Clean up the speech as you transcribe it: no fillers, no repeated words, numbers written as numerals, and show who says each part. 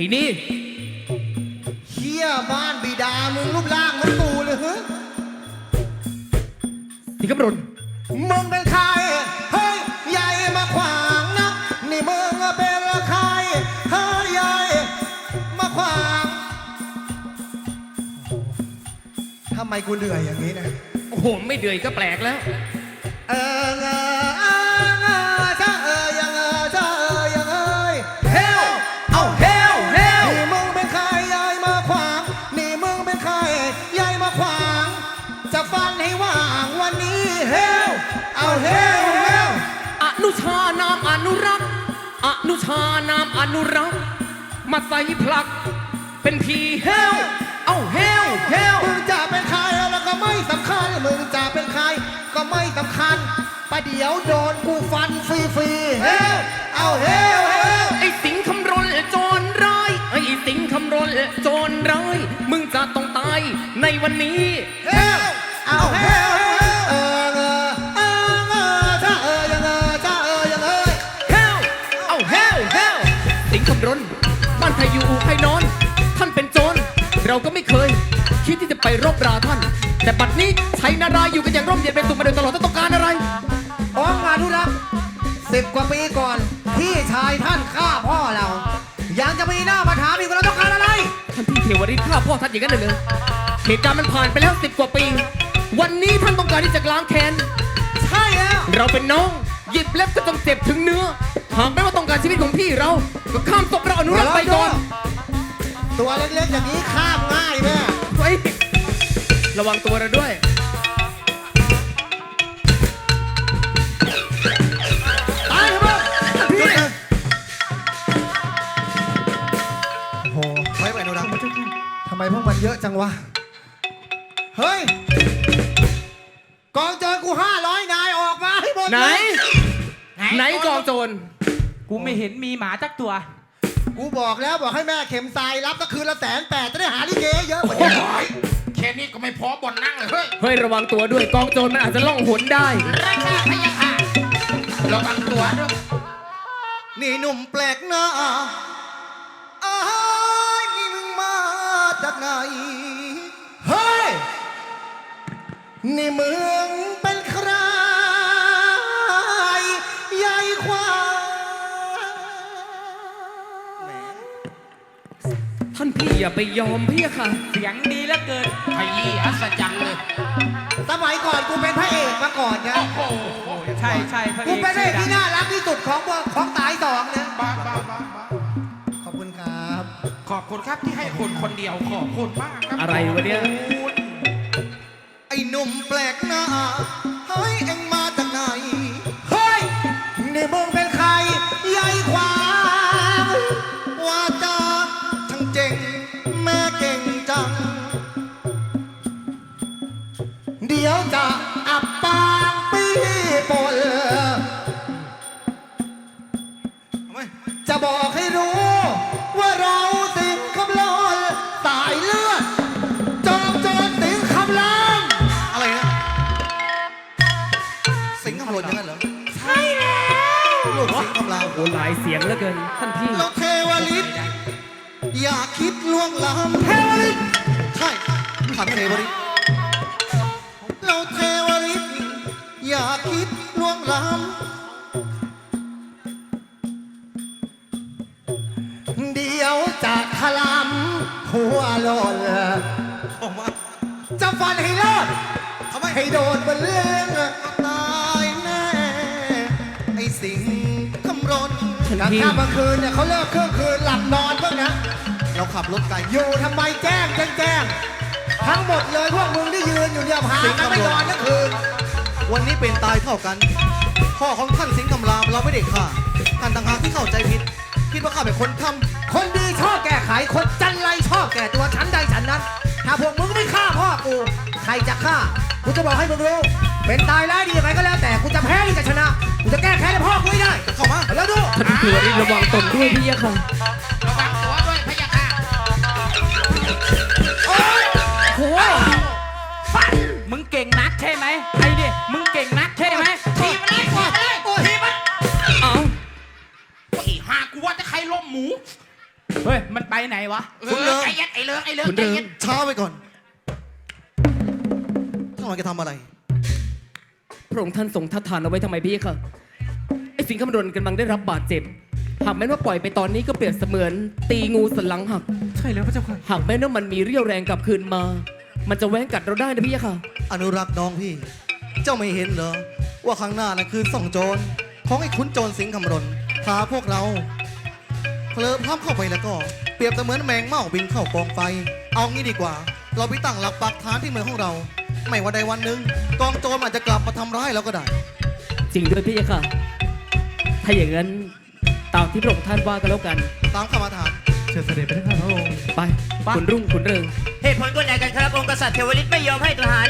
Speaker 1: นี่
Speaker 2: เฮียบ้านบิดามึงรูปร่างเหมือนกูเลยฮะ
Speaker 1: สิงคำรณ
Speaker 2: มึงเป็นใครเฮ้ยใหญ่มาขวางนะนี่มึงเป็นใครเฮ้ยใหญ่มาขวางทำไมกูเหนื่อยอย่างนี้นะ
Speaker 1: โอ้โหไม่เดือยก็แปลกแล้ว
Speaker 2: เออยังเฮลเอาเฮลนี่มึงเป็นใครใหญ่มาขวางนี่มึงเป็นใครใหญ่มาขวางจะฟันให้ว่างวันนี้เฮลเอาเฮล
Speaker 1: อนุชานามอนุรักษ์อนุชานามอนุรักษ์มาใส่พลักเป็นพีเฮลเอาเฮล
Speaker 2: มึงจะเป็นใครแล้วก็ไม่สำคัญมึงจะเป็นใครก็ไม่สำคัญประเดี๋ยวโดนกูฟันฟรีเฮลเอาเฮล
Speaker 1: ไอ้สิงคำรณโจรร้ายไอ้สิงคำรณโจรร้ายมึงจะต้องตายในวันนี้
Speaker 2: เฮลเอาเฮล
Speaker 1: สิงคำรณบ้านใครอยู่ใครนอนท่านเป็นโจรเราก็ไม่เคยคิดที่จะไปรบราท่านแต่บัดนี้ชัยนารายอยู่กันอย่างร่มเย็นเป็นสุขมาโดยตลอดต้องการอะไร
Speaker 2: อ๋อมาดูรัก10 กว่าปีก่อนพี่ชายท่านฆ่าพ่อเรายังจะมีหน้ามาถามอีกว่าเราต้องการอะไร
Speaker 1: ท่านพี่เทวริศฆ่าพ่อท่านอย่างนั้นเลยเหตุการณ์มันผ่านไปแล้ว10 กว่าปีวันนี้ท่านต้องการที่จะล้างแค้น
Speaker 2: ใช่แล้ว
Speaker 1: เราเป็นน้องหยิบเล็บก็ต้องเจ็บถึงเนื้อหากไม่ว่าต้องการชีวิตของพี่เราก็ข้ามศพเราอนุรักษ์ไปก่อน
Speaker 2: ตัวเล็กๆอย่างนี้ข้ามง่ายแม่
Speaker 1: เฮ้ยระวังตัวเราด้วย
Speaker 2: ตายครับพี่โอ้โหไม่ไหวโนดังทำไมพวกมันเยอะจังวะเฮ้ยกองโจรกู500 นายออกมาให้หมด
Speaker 1: ไหนกองโจร
Speaker 3: กูไม่เห็นมีหมาจักตัว
Speaker 2: กูบอกแล้วบอกให้แม่เข็มทรายรับก็คืนละ180,000จะได้หาลิเกเยอะกว่านี้
Speaker 4: แค่นี้ก็ไม่พอบนนั่งเลย
Speaker 1: เฮ้ยระวังตัวด้วยกองโจรมันอาจจะล่องหนได้
Speaker 4: ราชาพยาค่ะระวังตัวด้วย
Speaker 2: นี่หนุ่มแปลกหน้านี่มึงมาจากไหนเฮ้ยนี่มึงเป็นใครใหญ่กว่า
Speaker 1: ท่านพี่อย่าไปยอมพี่ค่ะ
Speaker 3: เสียงดีเหลือเกิน
Speaker 4: ขยี้อัศจรรย์เลย
Speaker 2: สมัยก่อนกูเป็นพระเอกมาก่อนนะ
Speaker 4: โอ้โห
Speaker 3: ใช่
Speaker 2: กูเป็นพระเอกที่น่ารักที่สุดของตายสองนะ
Speaker 4: บ้า
Speaker 2: ขอบคุณครับ
Speaker 4: ขอบคุณครับที่ให้คนคนเดียวขอบคุณมากครับ
Speaker 1: อะไรวะเนี่ย
Speaker 2: ไอ้หนุ่มแปลกหน้าเฮ้ยเอ็งมาจากไหนเฮ้ยนี่มึงเป็นใครใหญ่ขวางว่าจาทั้งเจ๋งแม่เก่งจังเดี๋ยวจะอับปางปีปนจะบอกให้รู้ว่าเราสิงคำลอนสายเลือดจอมโจรสิงคำลอนอะไรนะสิงคำลอนอย่างนั้นเหรอ
Speaker 3: ใช่แล้ว
Speaker 2: ลูกสิงคำลอน
Speaker 1: โอ้หลายเสียงเหลือเกินท่านพี่
Speaker 2: เราเทวฤทธิ์อย่าคิดล่วงล้ำเทวฤทธิ์ใช่ถามเทวฤทธิ์เราเทวฤทธิ์อย่าคิดล่วงล้ำเดี๋ยวจะถลำหัวหล่นจะฟันให้รอดให้โดนบนเลื่องตายแน่ไอ้สิงคำรณกลางค่ำกลางคืนเนี่ยเขาเลิกเครื่องคืนหลับนอนบ้างนะเราขับรถไกลอยู่ทำไมแจ้งทั้งหมดเลยพวกมึงที่ยืนอยู่เนี่ยพากันไม่นอนทั้งคืนวันนี้เป็นตายเท่ากันพ่อของท่านสิงห์คำรามเราไม่ได้ฆ่าท่านต่างหากที่เข้าใจผิดคิดว่าข้าเป็นคนทำคนดีชอบแก้ไขคนจันไรชอบแก้ตัวฉันใดฉันนั้นถ้าพวกมึงไม่ฆ่าพ่อกูใครจะฆ่ากูจะบอกให้มึงรู้เป็นตายร้ายดียังไงก็แล้วแต่กูจะแพ้หรือจะชนะกูจะแก้แค้นให้พ่อกูได้เข้ามาแล้วดู
Speaker 1: ท่านพี่ระวังตนด้วยพี่ค่ะ
Speaker 4: ระวังตัวด้วยพยาค่ะ
Speaker 3: โอ้ยโหฟันมึงเก่งนักใช่ไหมไอ้ดิมึงเก่งนักใช่ไหม
Speaker 4: ทีมันเลยทีมัน
Speaker 1: เอา
Speaker 4: อีห่ากูว่าจะใครล้มหมู
Speaker 3: เฮ้ยมันไปไหนวะ
Speaker 2: คุณเลิก
Speaker 4: ใจเย็นไอ้เลิกไอ้เลิก
Speaker 1: คุณ
Speaker 4: ใจ
Speaker 1: เริง
Speaker 4: เย็น
Speaker 2: ช้าไปก่อนท่านกำลังจะทำอะไร
Speaker 1: พระองค์ท่านทรงทัดทานเอาไว้ทำไมพี่ค่ะไอ้สิงห์คำรณกำลังได้รับบาดเจ็บหากแม้ว่าปล่อยไปตอนนี้ก็เปรียบเสมือนตีงูสันหลังหัก
Speaker 3: ใช่แล้วพระเจ้าค่ะ
Speaker 1: หากแม้ว่ามันมีเรี่ยวแรงกลับคืนมา มันจะแว้งกัดเราได้นะพี่ค่ะ
Speaker 2: อนุรักษ์น้องพี่ เจ้าไม่เห็นเหรอ ว่าข้างหน้านั่นคือส่องโจรของไอ้ขุนโจรสิงห์คำรณพาพวกเราเพลิดพล้ำเข้าไปแล้วก็ เปรียบเสมือนแมงเม่าบินเข้ากองไฟ เอางี้ดีกว่า เราไปตั้งหลักปักฐานที่เมืองของเรา ไม่ว่าใดวันหนึ่งกองโจรอาจจะกลับมาทำร้ายเราก็ได้
Speaker 1: จริงด้วยพี่ค่ะ ถ้าอย่างนั้นตามที่พระองค์ท่านว่ากันแล้วกัน
Speaker 2: ตามคำมาถาม
Speaker 3: เชิญเสด็จไปที่ข้าพระองค์
Speaker 1: ไปคุณรุ่งคุณเริง
Speaker 5: เหตุผลก็ไหนกันครับองค์กษัตริย์เทวฤทธิ์ไม่ยอมให้ทหาร